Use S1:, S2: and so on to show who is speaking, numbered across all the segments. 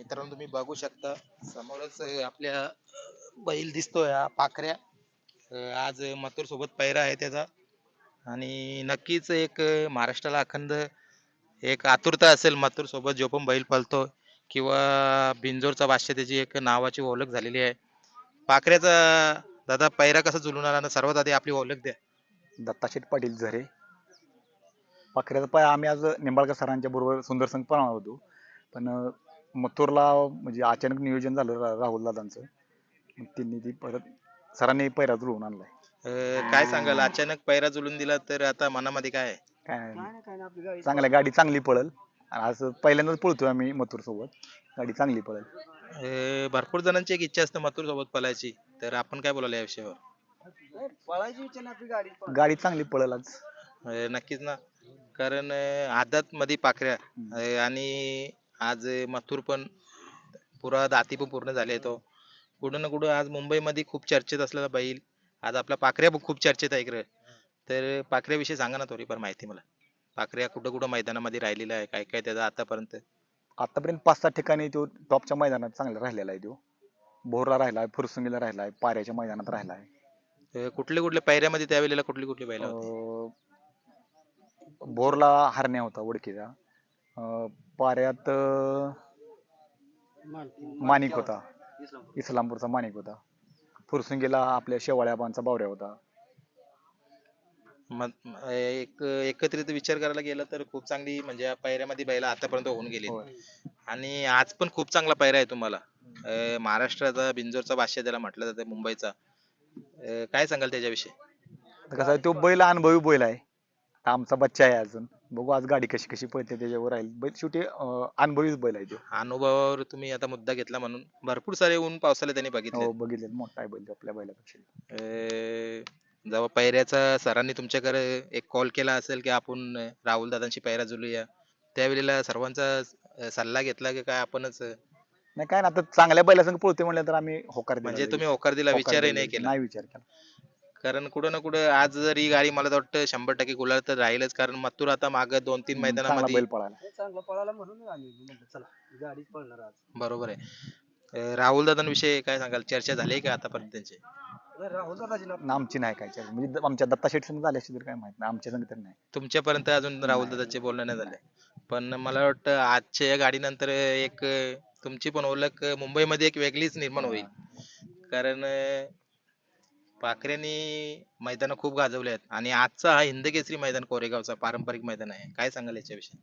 S1: मित्रांनो तुम्ही बघू शकता समोरच आपल्या बैल दिसतोय हा पाखऱ्या. आज मथुर सोबत पैरा आहे त्याचा आणि नक्कीच एक महाराष्ट्राला अखंड एक आतुरता असेल मथुर सोबत जो पण बैल पळतो किंवा बिंजोरचा बादशाह त्याची एक नावाची ओळख झालेली आहे. पाखऱ्याचा दादा पैरा कसा जुळून आला ना सर्वात आधी आपली ओळख द्या.
S2: दत्ताशेठ पाटील झरे. पाखऱ्याचा पाय आम्ही आज निंबाळकर सरांच्या बरोबर सुंदर संघ पळणार होतो, पण मथुरला म्हणजे अचानक नियोजन झालं राहुल दादांचं. मग त्यांनी ती परत सरांनी पैरा जुळवून आणलाय.
S1: काय सांगाल अचानक पैरा जुळून दिला तर आता मनामध्ये काय आहे?
S2: काय नाही, चांगल्या गाडी चांगली पळल. आणि आज पहिल्यांदाच पळतोय आम्ही मथुर सोबत, गाडी चांगली पळल.
S1: भरपूर जणांची एक इच्छा असते मथुर सोबत पळायची तर आपण काय बोलायला या विषयावर?
S2: पळायची इच्छा ना आपली गाडी चांगली पळल आज.
S1: नक्कीच ना कारण आदत मध्ये पाखऱ्या आणि आज मथुर पण पुरा दाती पण पूर्ण झाले तो कुठं ना कुठं आज मुंबईमध्ये खूप चर्चेत असलेला बैल आज आपला पाखऱ्या पण खूप चर्चेत आहे इकडे. तर पाखऱ्याविषयी सांगा ना थोडीफार माहिती मला. पाखऱ्या कुठं कुठं मैदानामध्ये राहिलेला आहे काय काय त्याचा आतापर्यंत?
S2: आतापर्यंत 5-6 ठिकाणी तो टॉपच्या मैदानात चांगला राहिलेला आहे. तो भोरला राहिलाय, फुरसुंगीला राहिलाय, पाऱ्याच्या मैदानात राहिलाय.
S1: कुठले कुठले पायऱ्यामध्ये त्यावेळेला कुठली कुठली बैल होती?
S2: भोरला हरण्या होता ओळखीचा. पाऱ्यात माणिक होता, इस्लामपूरचा माणिक होता. फुरसुंगीला आपल्या शेवाळ्याबांचा बावऱ्या होता.
S1: मग एक एकत्रित विचार करायला गेला तर खूप चांगली म्हणजे या पायऱ्यामध्ये बैल आतापर्यंत होऊन गेली
S2: होय.
S1: आणि आज पण खूप चांगला पायरा आहे तुम्हाला. महाराष्ट्राचा बिंजोरचा बादशाह त्याला म्हटलं जातं मुंबईचा. काय सांगाल त्याच्याविषयी?
S2: कसं आहे, तो बैल अनुभवी बैल आहे. आमचा बच्चा आहे अजून. बघू आज गाडी कशी कशी पळते त्याच्यावर राहील. बैल शेवटी अनुभवीच बैल आहे तो.
S1: अनुभवावर तुम्ही आता मुद्दा घेतला म्हणून भरपूर सारे ऊन पावसाला त्यांनी बघितले.
S2: हो बघितले, मोठा आहे बैल तो आपल्या बैलापेक्षा.
S1: जेव्हा पैऱ्याचा सरांनी तुमच्याकडे एक कॉल केला असेल की आपण राहुल दादांशी पैरा जुळूया त्यावेळेला सर्वांचा सल्ला घेतला की काय आपणच
S2: नाही काय ना, आता चांगल्या बैलासंग पळतोय म्हणलं तर आम्ही होकार दिला
S1: म्हणजे
S2: लगेच.
S1: तुम्ही होकार दिला
S2: होकार
S1: विचारही
S2: दिला
S1: नाही
S2: लगेच.
S1: केला?
S2: नाही विचार केला.
S1: कारण कुठं ना कुठं आज जर ही गाडी मला तर वाटतं 100% गुलाल तर राहीलच कारण मथुर आता माग 2-3
S2: चांगला
S1: मैदानामध्ये
S2: बैल पळाला.
S3: चांगला पळाला म्हणून आम्ही म्हणलं चला गाडीच पळणार आज.
S1: बरोबर आहे. राहुल दादांविषयी काय सांगाल चर्चा झाली का आतापर्यंत त्यांची?
S3: राहुल दादाची ना
S2: आमची नाही काय चर्चा. म्हणजे आमच्या दत्ता शेठ संग झाली असेल तर काय माहित नाही, आमच्या संग तर नाही.
S1: तुमच्यापर्यंत अजून राहुल दादाचे बोलणं नाही झाले पण मला वाटतं आजच्या या गाडीनंतर एक तुमची पण ओळख मुंबईमध्ये एक वेगळीच निर्माण होईल कारण पाखऱ्यांनी मैदान खूप गाजवले आहेत आणि आजचा हा हिंदकेसरी मैदान कोरेगावचा पारंपरिक मैदान आहे काय सांगाल याच्याविषयी?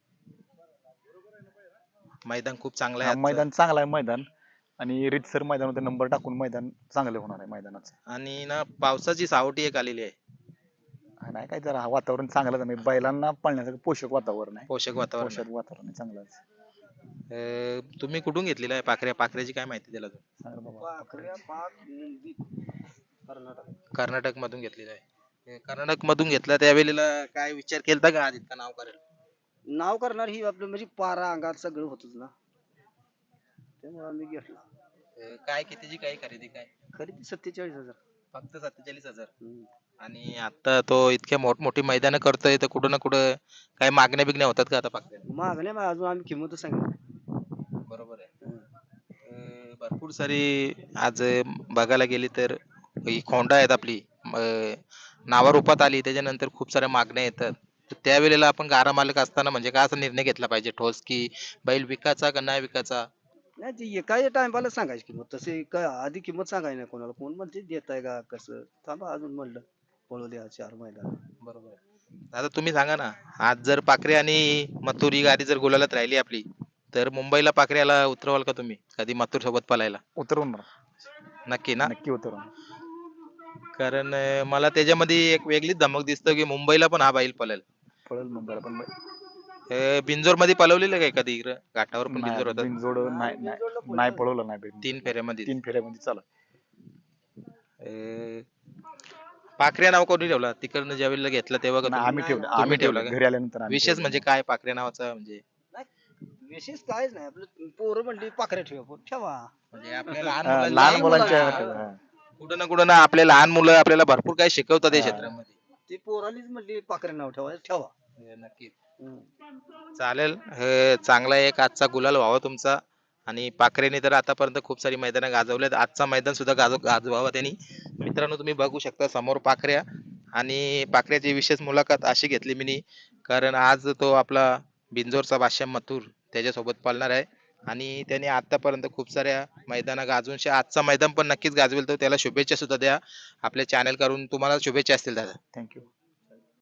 S1: मैदान खूप चांगलं आहे आजचं.
S2: मैदान चांगला आहे मैदान. आणि रीतसर मैदानावर नंबर टाकून मैदान चांगलं होणार आहे मैदानाचं.
S1: आणि ना पावसाची सावटी एक आलेली आहे.
S2: नाही काय जरा वातावरण चांगलं आहे, बैलांना पळण्यासाठी पोषक वातावरण आहे.
S1: पोषक वातावरण आहे.
S2: पोषक वातावरण आहे चांगलंच.
S1: तुम्ही कुठून घेतलेला आहे पाखऱ्याची काय माहिती दिला तुम्ही?
S2: चांगलं बाबा.
S3: पाखऱ्या पाक मुंबई कर्नाटक.
S1: कर्नाटक मधून घेतलेला आहे. कर्नाटक मधून घेतला त्यावेळेला काय विचार केलता का आज इतका नाव करेल?
S3: नाव करणार ही आपलं म्हणजे पारा अंगात सगळं होतच ना, त्यामुळे आम्ही घेतला.
S1: काय कितीची काय खरेदी काय?
S3: खरेदी 47,000.
S1: फक्त 47,000 आणि आता तो इतक्या मोठमोठी मैदानं करतोय तर कुठं ना कुठं काय मागण्या बिगण्या होतात का आता पाखऱ्याला?
S3: मागण्या मग अजून आम्ही किंमत सांगितली.
S1: बरोबर आहे. भरपूर सारी आज बघायला गेली तर ही खोंडा आहेत आपली नावारूपात आली त्याच्यानंतर खूप साऱ्या मागण्या येतात तर त्यावेळेला आपण गारा मालक असताना म्हणजे काय असा निर्णय घेतला पाहिजे ठोस की बैल विकायचा का नाही विकायचा?
S3: नाही ते एका टायमाला सांगायची किंमत, तसे काय आधी किंमत सांगायची नाही कोणाला. कोण म्हणते देताय का कसं, थांबा अजून म्हणलं पळू द्या 4 महिना.
S1: बरोबर आहे. आता तुम्ही सांगा ना आज जर पाखरे आणि मथुर ही गाडी जर गुलालात राहिली आपली तर मुंबईला पाखऱ्याला उतरवाल का तुम्ही कधी मथुर सोबत पळायला?
S2: उतरवणार.
S1: नक्की ना?
S2: नक्की उतरवणार.
S1: कारण मला त्याच्यामध्ये एक वेगळीच धमक दिसतं की मुंबईला पण हा बैल पळेल.
S2: पळेल मुंबईला पण.
S1: बिंजोर मध्ये पळवलेलं काय कधी इकडं घाटावर पण
S2: नाही
S1: बिंजोर होतं
S2: बिनजोड नाही पळवलं नाही बैल.
S1: 3 फेऱ्यामध्ये.
S2: 3 फेऱ्यामध्ये चालू.
S1: पाखऱ्या नाव कोणी ठेवला तिकडनं ज्या वेळेला घेतला तेव्हा का
S2: नाही, आम्ही ठेवलं.
S1: तुम्ही
S2: आम्ही
S1: ठेवला
S2: ठेवलं
S1: का?
S2: घरी आल्यानंतर आम्ही
S1: विशेष
S2: ठेवलं.
S1: म्हणजे काय पाखऱ्या नावाचा म्हणजे
S3: विशेष कायच नाही, आपलं पोरं म्हणली पाखऱ्या ठेवा ठेवा.
S1: म्हणजे आपल्या
S2: लहान मुलांच्या
S1: कुठं ना कुठं ना आपले लहान मुलं आपल्याला भरपूर काही शिकवतात या क्षेत्रामध्ये.
S3: ती पोरालीच म्हणली पाखऱ्या नाव ठेवा ठेवा.
S1: नक्की चालेल. चांगला एक आजचा गुलाल व्हावा तुमचा आणि पाखरेने तर आतापर्यंत खूप सारी मैदानं गाजवल्यात. आजचा मैदान सुद्धा गाजवावा त्यांनी. मित्रांनो तुम्ही बघू शकता समोर पाखऱ्या आणि पाखऱ्याची विशेष मुलाखत अशी घेतली मी, कारण आज तो आपला बिंजोरचा बादशाह मथुर त्याच्यासोबत पळणार आहे आणि त्याने आतापर्यंत खूप साऱ्या मैदानं गाजवून आजचा मैदान पण नक्कीच गाजवेल. तो त्याला शुभेच्छा सुद्धा द्या आपल्या चॅनल करून. तुम्हाला शुभेच्छा असतील दादा.
S2: थँक्यू.